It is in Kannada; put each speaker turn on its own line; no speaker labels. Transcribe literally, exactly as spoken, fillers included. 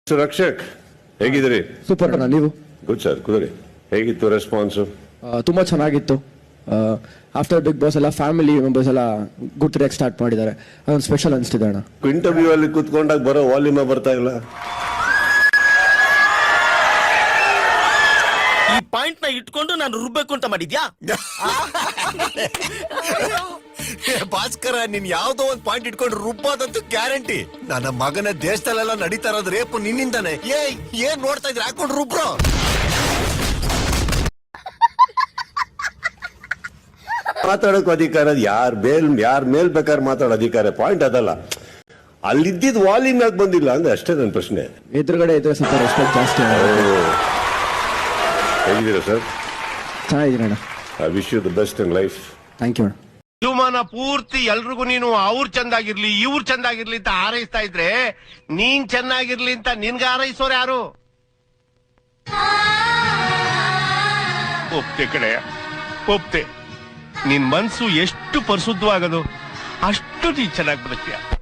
ರಕ್ಷಕ್ ಹೇಗಿದ್ದೀರಿ?
ಸೂಪರ್ ಅಣ್ಣ, ನೀವು?
ಗುಡ್ ಸರ್, ಕುದುರಿ. ಹೇಗಿತ್ತು ರೆಸ್ಪಾನ್ಸು?
ತುಂಬಾ ಚೆನ್ನಾಗಿತ್ತು. ಆಫ್ಟರ್ ಬಿಗ್ ಬಾಸ್ ಎಲ್ಲ ಫ್ಯಾಮಿಲಿ ಮೆಂಬರ್ಸ್ ಎಲ್ಲ ಗುರ್ತಿರಿಯಕ್ಕೆ ಸ್ಟಾರ್ಟ್ ಮಾಡಿದ್ದಾರೆ. ಅದೊಂದು ಸ್ಪೆಷಲ್ ಅನಿಸ್ತಿದೆ ಅಣ್ಣ.
ಇಂಟರ್ವ್ಯೂ ಅಲ್ಲಿ ಕುತ್ಕೊಂಡಾಗ ಬರೋ ವಾಲ್ಯೂಮ್ ಬರ್ತಾ ಇಲ್ಲ.
ಈ ಪಾಯಿಂಟ್ ನ ಇಟ್ಕೊಂಡು ನಾನು ರುಬ್ಬೇಕು ಅಂತ ಮಾಡಿದ್ಯಾ?
ಭಾಸ್ಕರ, ನೀನ್ ಯಾವ್ದೋ ಒಂದ್ ಪಾಯಿಂಟ್ ಇಟ್ಕೊಂಡು ರುಬ್ಬೋದಂತೂ ಗ್ಯಾರಂಟಿ. ನನ್ನ ಮಗನ ದೇಶದಲ್ಲೆಲ್ಲ ನಡೀತಾ ಇರೋದು ರೇಪು ನಿನ್ನಿಂದಾನೆ. ಏ ಏನ್ ನೋಡ್ತಾ ಇದ್ರೆ ಹಾಕೊಂಡು ರುಬ್ರೋ.
ಮಾತಾಡೋಕ್ ಅಧಿಕಾರ ಯಾರ್ ಮೇಲ್ ಯಾರ ಮೇಲ್ ಬೇಕಾದ್ರೆ ಮಾತಾಡೋ ಅಧಿಕಾರ. ಪಾಯಿಂಟ್ ಅದಲ್ಲ, ಅಲ್ಲಿದ್ದಿದ್ ವಾಲ್ಯೂಮ್ ಯಾಕೆ ಬಂದಿಲ್ಲ ಅಂದ್ರೆ ಅಷ್ಟೇ ನನ್ನ ಪ್ರಶ್ನೆ.
ಎದುರುಗಡೆ ಇದ್ರೆ ಸ್ವಲ್ಪ ರೆಸ್ಪೆಕ್ಟ್ ಜಾಸ್ತಿ.
ಹೇಗಿದ್ದೀರಾ ಸರ್?
ಚೆನ್ನಾಗಿದ್ದೀನಿ ಅಣ್ಣ.
I wish you the best in life.
Thank you ಅಣ್ಣ.
ಜೀವಮಾನ ಪೂರ್ತಿ ಎಲ್ರಿಗೂ ನೀನು ಅವ್ರು ಚಂದಾಗಿರ್ಲಿ ಇವ್ರು ಚಂದಾಗಿರ್ಲಿ ಅಂತ ಹಾರೈಸ್ತಾ ಇದ್ರೆ ನೀನ್ ಚೆನ್ನಾಗಿರ್ಲಿ ಅಂತ ನಿನ್ಗೆ ಹಾರೈಸೋರು ಯಾರು? ಒಪ್ತೆ ಕಡೆ ಒಪ್ತೆ. ನಿನ್ ಮನ್ಸು ಎಷ್ಟು ಪರಿಶುದ್ಧವಾಗದು ಅಷ್ಟು ನೀನ್ ಚೆನ್ನಾಗಿ ಬದುಕ್ತೀಯ.